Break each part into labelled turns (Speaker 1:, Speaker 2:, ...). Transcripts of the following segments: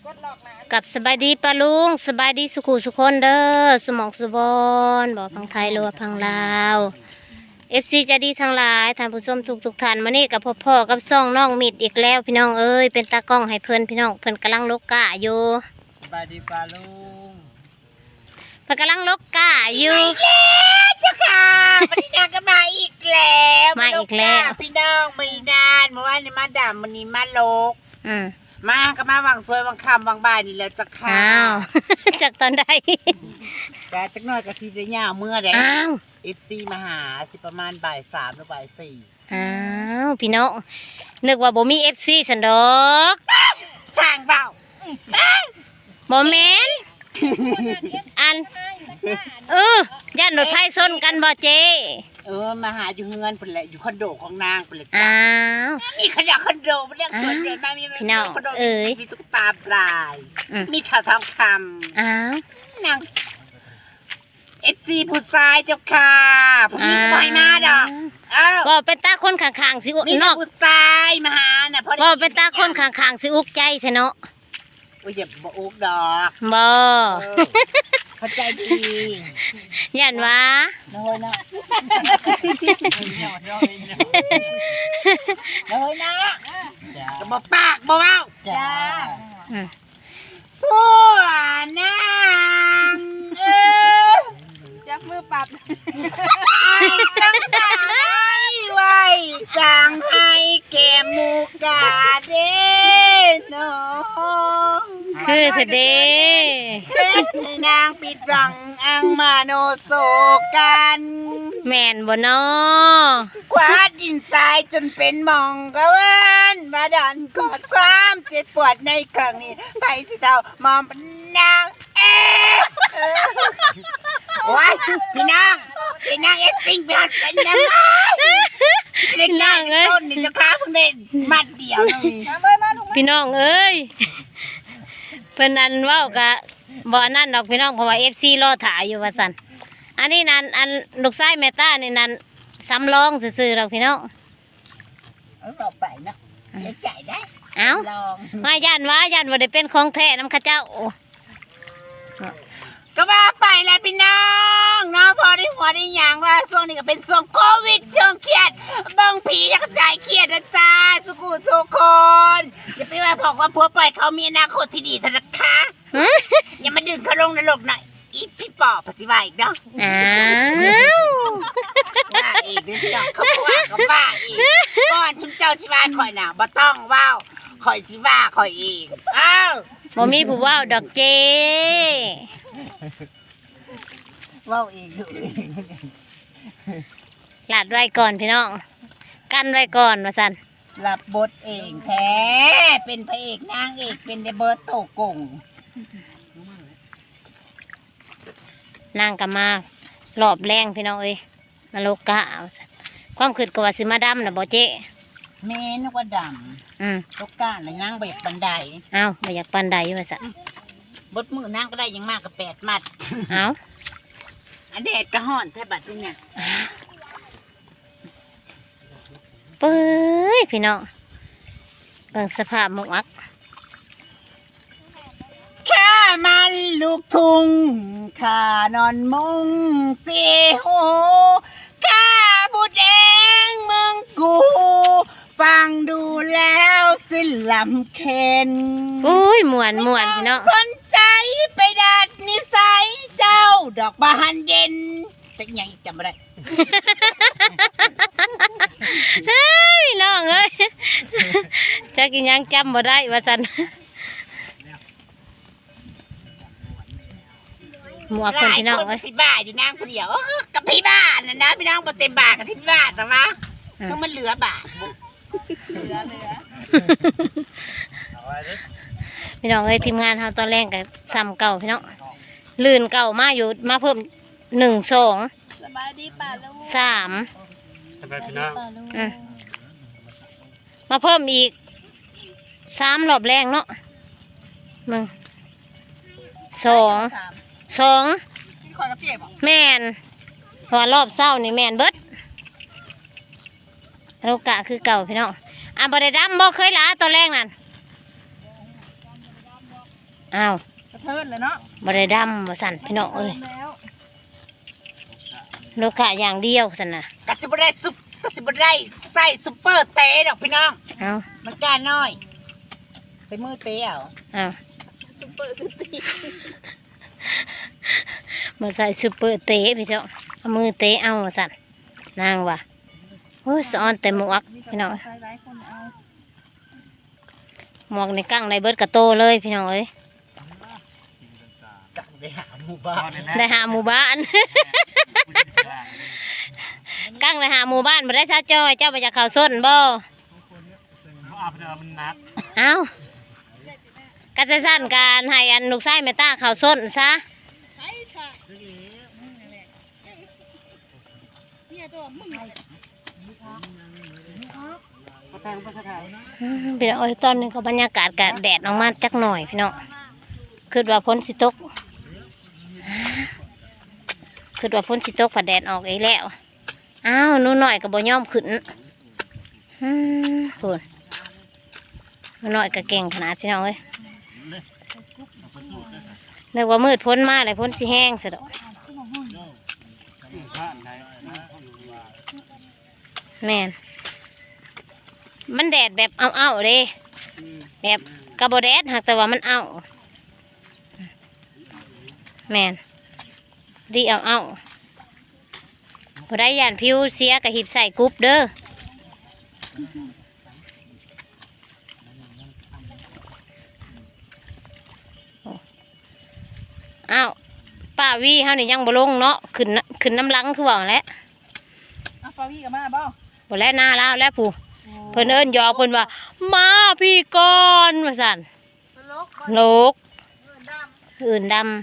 Speaker 1: กับสบายดีปะลุงสบายดีสุขุสุคนเด้อสมองสุบอนบอกพังไทยหรือว่าพังลาวFC จะดีทั้งหลายท่านผู้ชมทุกท่านมานี่กับพ่อกับซ่องน้องมิดอีกแล้วพี่น้องเอ้ยเป็นตากล้องให้เพิ่นพี่น้องเพิ่นกำลังลกกะอยู่
Speaker 2: สบายดีปะลุง
Speaker 1: เพิ่นกำลังลกกะอยู่
Speaker 3: เจ้าค่ะวันนี้นางก็มาอีกแล้ว
Speaker 1: มาอีกแล้ว
Speaker 3: พี่น้องไม่นานเมื่อวานนี้มาดำวันนี้มาโลกมาก็มาวังสวยวังคำวังบ่ายนี่แหละเจ้าค่ะ
Speaker 1: อ้าวจากตอนใด
Speaker 3: แต่จักหน่อยก็ทีเดียวเมื่อใด
Speaker 1: อ้าว
Speaker 3: FC มาหาสิประมาณบ่ายสามหรือบ่ายสี่
Speaker 1: อ้าวพี่น้องนึกว่าบ่มี FC สันดอก
Speaker 3: ช่างเปล่า
Speaker 1: บ่แม่นอันย่านรถไฟชนกันบ่เจ
Speaker 3: มาหาอยู่เฮือนเพิ่นแหละอยู่คอนโดของนางเพิ่นแหละ
Speaker 1: อ้าว
Speaker 3: มีขยะคอนโดมันเรียกสวนเดินมามี
Speaker 1: พี่น้อง
Speaker 3: คอนโดมีตุ๊กตาปลายมีแถวทองคำ
Speaker 1: อ้าวน
Speaker 3: าง FC ผู้ชายเจ้าค่ะผมนี่ก็บ่ให้มาดอก
Speaker 1: บ่เป็นตาคนข้างๆสิ
Speaker 3: มีผู้ชายมาหาน่ะพอ
Speaker 1: บ่เป็นตาคนข้างๆสิอุกใจแท้เนาะ
Speaker 3: บ่อย่าบ่อุกดอก
Speaker 1: บ่
Speaker 3: เข้าใจดี
Speaker 1: ย่านว่า
Speaker 3: น้อยนะน้อยนะก็บ่ปากบ่เว้าจ้าผู้นาง
Speaker 4: จับมือปรับ
Speaker 3: จังได๋ไว้จังให้แก่หมู่กาเด้น้อง
Speaker 1: คือเถอะเด้
Speaker 3: ให้นางปิดบังอังมาโนโศกัน
Speaker 1: แม่นบ่น้อ
Speaker 3: คว้าดินทรายจนเป็นหมองกะเวนมาดันกอดความเจ็บปวดในครั้งนี้ไปสิเจ้ามอมเป็นนางโอ้ยพี่นางเอสติ้งไปหัดกันนะเด็กนางต้นนี่จะค้าเพิ่งได้มัดเดียวนี่
Speaker 1: พี่น้องเอ้ยเพิ่นนั่นเว้ากะบ่นั่นดอกพี่น้องเพราะว่า FC รอถ่ายอยู่ว่าซั่นอันนี้นั่นอันลูกชายแม่ตานี่นั่นสำรองซื่อๆดอกพี่น้อง
Speaker 3: ต่อไปนะเสียใจได้
Speaker 1: เอ้ามาย่านว่าได้เป็นของแท้นำข้าเจ้า
Speaker 3: ก็ว่าไปแล้วพี่น้องเนาะพอได้หัวได้ยางว่าช่วงนี้ก็เป็นช่วงโควิดช่วงเครียดบางผีอยากจ่ายเครียดนะจ้าทุกคนอย่าไปว่าบอกว่าผัวปล่อยเขามีอนาคตที่ดีธนาคารอย่ามาดึงเขาลงนรกหน่อยอีพี่ปอบปฏิบัติอีกเนาะว่าอีกพี่น้องเขาว่าก็ว่าอีกก่อนชุมเจ้าชิว่าคอยน่ะบ่ต้องว้าวคอยชิว่าคอยเอง
Speaker 1: บ่มีผู้ว้าวดอกเจ
Speaker 3: ว้าวเองดูเอง
Speaker 1: หลาดไว้ก่อนพี่น้องกันไว้ก่อนว่าซั่น
Speaker 3: รับบทเองแท้เป็นพระเอกนางเอกเป็นเดเบิร์ตโตกง
Speaker 1: นางก็มารอบแรงพี่น้องเอ้ยมาโลกะเอาซั่นความคิดก็ว่าสิมาดำน่ะบ่เจ๊
Speaker 3: แม่นึกว่าดำโลกะน่ะนางแบบบันได
Speaker 1: บ่อยากปานใดว่าซั่น
Speaker 3: บดมือนางก็ได้ยังมากกับ8 มัดอันแดดก็ฮ้อนแท้บัดนี้เนี่ย
Speaker 1: เป้ยพี่น้องเบิ่งสภาพหมวก
Speaker 3: ข้ามันลูกทุ่งข้านอนมุงสีหูข้าบุดเองมึงกูฟังดูแล้วสิลำเค็น
Speaker 1: อุ้ยม่วนพี่น้อง
Speaker 3: คนใจไปดัดนิสัยเจ้าดอกบานเย็นแต่ยังจำไม่ได้
Speaker 1: เฮ้ยน้องเอ้ยจะกินยังจำบ่ได้ว่าซั่นหมวกคนพี่น้องเอ้ย
Speaker 3: ที่บ้าอยู่นางคนเดียวกับพี่บ้านนะพี่น้องบ่เต็มบากับที่บ้านแต่ว่าต้องมันเหลือบา
Speaker 1: พี่น้องเอ้ยทีมงานเฮาตอนแรกก็ซ้ำเก่าพี่น้องลื่นเก่ามาอยู่มาเพิ่ม1 2
Speaker 4: สบายดีป่าลุง
Speaker 1: 3
Speaker 2: สบายพี่น้อง
Speaker 1: มาเพิ่มอีก3 รอบแรงเนาะ2แม่นเพราะว่ารอบเศร้านี่แม่นเบิดโลกะคือเก่าพี่น้องบ่ได้ดำบ่เคยล้าตอนแรกนั่นอ้าว
Speaker 3: กระเทินเลยเนาะ
Speaker 1: บ่ได้ดำว่าสั่นพี่น้องเอ้ย
Speaker 3: แล้ว
Speaker 1: โลกะอย่างเดียวสั่นน่ะ
Speaker 3: กระสิบได้ใส่ซุปเปอร์เตะดอกพี่น้อง
Speaker 1: อ้าว
Speaker 3: มันกล้าน้อยใส่มือเตะเอา
Speaker 1: อ้าวมาใส่ซุปเปอร์เตะพี่เจ้าเอามือเตะเอาว่าสั่นนางว่ะโอ้ยสะออนแต่หมวกพี่น้อง
Speaker 4: ใครหลายคนเอา
Speaker 1: หมวกในกั้งในเบิดกระโตเลยพี่น้องเอ้ย
Speaker 3: จังได้หาหมู่บ้าน
Speaker 1: ได้หาหมู่บ้าน กั้งได้หาหมู่บ้านมาได้ซะจอยเจ้าไปจากเขาส้นบ่
Speaker 2: เอาไปเดิมมันนัด
Speaker 1: เอ้าก็จะสั้นการให้อันลูกไส้เมตาเขาส้นซะ
Speaker 4: เนี่ยตัวมึง
Speaker 2: ก็แทงก็แทง
Speaker 1: พี่น้องเอ้ยตอนนี้ก็บรรยากาศกะแดดออกมาจักหน่อยพี่น้องคือว่าพ้นสิตกคือว่าพ้นสิตกผัดแดดออกอีกแล้วอ้าวหนูหน่อยก็บ่ยอมขึ้นพูนหนูหน่อยก็เก่งขนาดพี่น้องเอ้ยนึกว่ามืดพ้นมาเลยพ้นสิแห้งซะดอกแม่นมันแดดแบบเอาๆเลยแบบกระโบแดดหากแต่ว่ามันเอาแม่นดีเอาพอได้ยานผิวเสียกับหิบใส่กรุ๊ปเด้ออ้าวป้าวีเฮานี่ยังบ่ลงเนาะขึ้นน้ำลังคือว่าแหล้ว
Speaker 4: เอาฟาวี่กับมาบ่
Speaker 1: บ่แล้วหน้าแล้วแล้วผู้เพิ่นเอิ้นหยอกเพิ่นว่ามาพี่ก่อนว่าซั่น
Speaker 4: ลก
Speaker 1: โลกอื่นดำ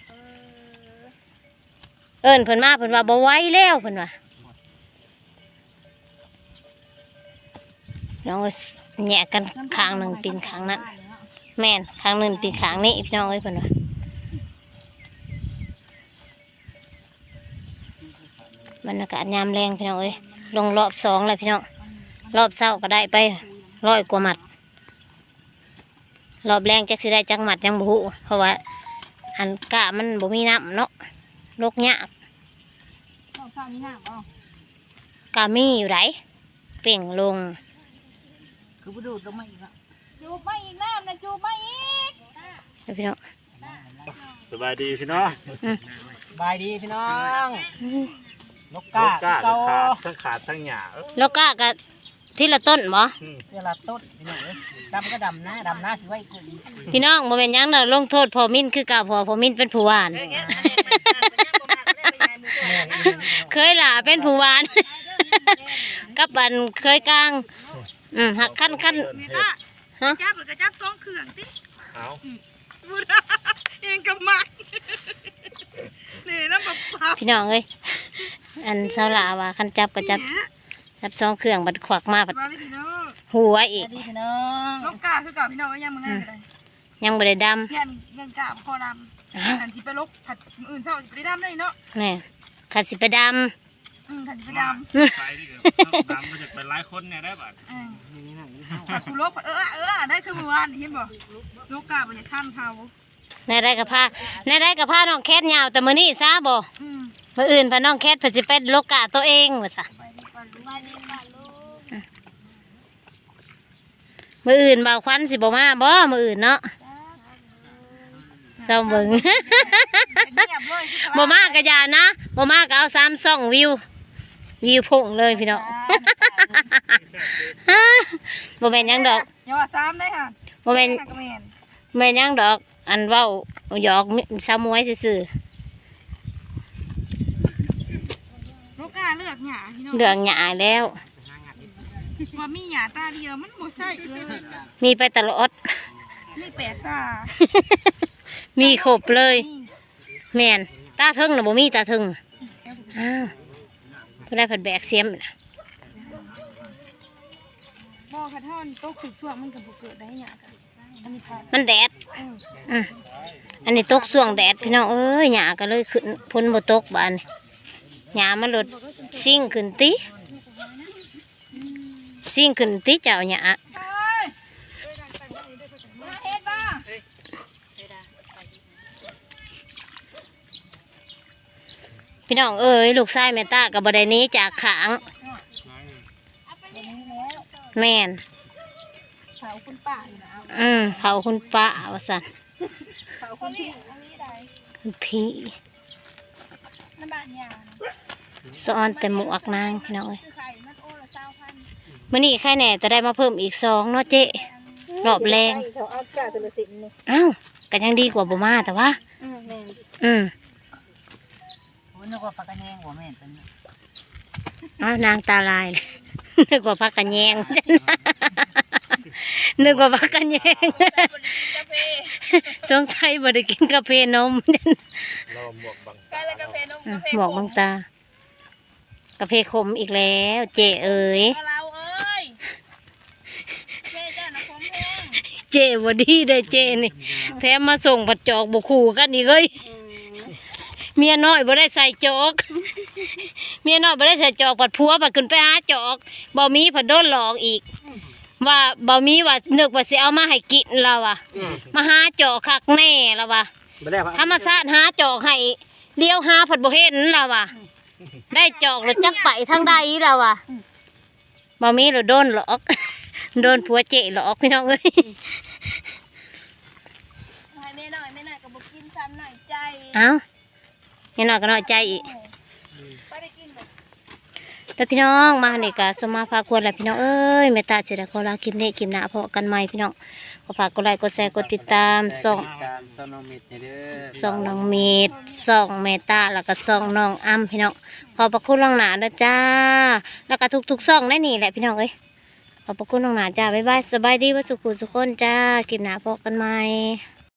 Speaker 1: เอิ้นเพิ่นมาเพิ่นว่าบ่ไหวแล้วเพิ่นว่าน้องก็แยกกันข้างหนึ่งปีนข้างนั้นแม่นข้างหนึ่งปีนข้างนี้พี่น้องเอ้ยเพิ่นว่าบรรยากาศยามแรงพี่น้องเอ้ยลงรอบสองเลยพี่น้องรอบเช้าก็ได้ไป100 กว่าหมัดรอบแรงจักสิได้จักหมัดยังบ่ฮู้เพราะว่าอันกะมันบ่มีน้ำเนาะโรคยาก
Speaker 4: ข้าวข้าวนี่ห้ามบ่
Speaker 1: กะมีอยู่ไหนเป่งลง
Speaker 3: คือบ่ดูดลงมาอีกแล้ว
Speaker 4: จูบไม่อีกน้ำนะจูบไม่อีก
Speaker 1: เดี๋ยวพี่น้อง
Speaker 2: สบายดีพี่น้อง
Speaker 3: บายดีพี่น้อง นก
Speaker 2: ก
Speaker 3: กา
Speaker 2: ล้าขาดทั้งหยา
Speaker 1: โลกะกะที่ละต้นบ่
Speaker 3: เวลาต้นพี่น้องเอ้ยดำก็ดำนะสิไว้กูอีก
Speaker 1: พี่น้องบ่เป็นหยังเนาะลงโทษพอมิ้นคือเก่าพอมิ้นเป็นผู้หวาน เคยหล่าเป็นผู้หวาน กับบันเคยกลางหักขั้นฮะ
Speaker 4: จับหรือกระจับสองเครื่องติ
Speaker 2: เอา
Speaker 4: บุญเองกับมักนี่น้ำปลา
Speaker 1: พี่น้องเอ้ยอันเสาหลาว่าคันจับก็จับสองเครื่องบัดขวักมาบัด
Speaker 4: ปลาพี่น้อง
Speaker 1: หัวอีก
Speaker 3: ดีพี่น้อง
Speaker 4: นกกาคือกับพี่น้องยังมึงง่ายเลย
Speaker 1: ยังบ่ได้ด
Speaker 4: เพี้ยนเงินกาคอดำขันสิไปลกขัดอื่นเช่าสิไปดำได้เนาะ
Speaker 1: ำนี่ขัดสิไปด
Speaker 4: ขันสิไปด
Speaker 2: ไปดิเดี๋ยวตามมาจากเป็นหลายคนเนี่ยได้บัด
Speaker 4: ำขัดกูลกได้คือเมื่อวานเห็นบ่นกกาบนจะขั้นเขา
Speaker 1: ำในได้กับผ้าน้องแคทยาวแต่มื้อนี้ซะบ่มื้ออื่นพาน้องแคทเพิ่นสิเป็นโลกะตัวเองว่าซะมื้ออื่นบ่าวควันสิบ่มาบ่มื้ออื่นเนาะเศร้าเบิ่ง บ่มากก็อย่านะบ่มากก็เอา3 ช่องวิวพุ่งเลยพี่น้อง บ่แม่นหยังดอก
Speaker 4: อย่าว่าซ้ำได้ค่ะ
Speaker 1: บ่แม่น
Speaker 4: กระเมน
Speaker 1: แม่นหยังดอก อันเว้าหยอกสาวมวยซื่อน
Speaker 4: กกาเลือกหยาพี่น้อง
Speaker 1: ๆเรื่องหยาแล้ว
Speaker 4: ว่ามีหยาตาเดียวมันบ่ใช่เลย
Speaker 1: มีไปตลอด
Speaker 4: นี่แปลกตา
Speaker 1: มีครบเลย แม่นตาถึงน่ะบ่มีตาถึงอ้าวเพิ่นได้ผัดแบกเสียมน่ะ
Speaker 4: บ่กระท่อนตกถึกช่วงมันก็บ่เกิดได้หยากันอันนี้ผ่าน
Speaker 1: มันแดดอันนี้ตกช่วงแดดพี่น้องเอ้ยหญ้าก็เลยขึ้นพ้นบ่ตกบานนี้หญ้ามันลดซิ่งขึ้นติเจ้าหญ้า
Speaker 4: มาเฮ็ดบ่
Speaker 1: พี่น้องเอ้ยลูกชายแม่ตากับบไดหนี้จากขางแม่น
Speaker 4: เผาคุณป้าอยู่นะเอา
Speaker 1: เผาคุณป้าว่าสัน
Speaker 4: เผาคุณพี่อันนี้ได้
Speaker 1: คุณพี่
Speaker 4: น้ำบานยา
Speaker 1: สอนแต่หมวกนางพี่น้องเอ้ย
Speaker 4: คือไข่มันโอ้ละ20,000
Speaker 1: มื่อนี้ใครแหน่จะได้มาเพิ่มอีก2เนาะเจ๊รอบแรง
Speaker 4: เขาเอาจ่าตัวละ10นี่
Speaker 1: อ้าวก็ยังดีกว่าบ่มาแต่ว่า
Speaker 4: แม่น
Speaker 1: อืม
Speaker 3: โอ้นึกว่าปลากระแยงหัวแม่นเป็น
Speaker 1: อ้าวนางตาลายเลย นึกว่าพักกันแยง นึกว่าพักกันแยง สงสัยบ่ได้กินกาแฟนม
Speaker 2: รอหมวกบัง
Speaker 4: กาแฟกาแฟนมกาแฟ
Speaker 1: หมอกบางตา กาแฟขมอีกแล้ว เจเอ๋ย
Speaker 4: เราเอ้ยแม่เจ้านะผมแห้ง
Speaker 1: เจบ่ดีได้เจนี่แถมมาส่งผัดจอกบ่คู่กันอีกเอ้ยเมียน้อยบ่ได้ใส่จอก เมียน้อยบ่ได้ใส่จอกผัดผัวผัดขึ้นไปหาจอกบ่มีผัดโดนหลอกอีก ว่าบ่มีว่านึกว่าสิเอามาให้กินแล้วอ่ะมาหาจอกคักแน่แล้วว่ะ
Speaker 2: ไม่ได้
Speaker 1: ธรรมชาติหาจอกให้เลี้ยวหาผัดบ่เห็นแล้วว่ะได้จอกแล้วจักไปทางใดแล้วว่ะบ่มีแล้วโดนหลอก โดนผัวเจหลอกพี่น้องเอ้ย
Speaker 4: ให้แม่หน่อยก็บอกกินซ้ำหน่อยใจ
Speaker 1: เอ้าเห็นหน่อยก็น้อยใจอีก
Speaker 4: ไปได้กินแบบ
Speaker 1: แล้วพี่น้องมานี่ก็สมาพาควรแหละพี่น้องเอ้ยเมตตาเจริญขอลาคลิปนี้คลิปหน้าพบกันใหม่พี่น้องขอฝากกดไลค์กดแชร์กดติดตามส่อง
Speaker 2: การซอนอมิดนี่เด้อ
Speaker 1: ส่องน้องเมดส่องเมตตาแล้วก็ส่องน้องอ้ำพี่น้องขอบพระคุณล่วงหน้านะจ้าแล้วก็ทุกๆส่องได้นี่แหละพี่น้องเอ้ยขอบพระคุณล่วงหน้าจ้าบ๊ายบายสบายดีว่าสุขุสุขคนจ้าคลิปหน้าพบกันใหม่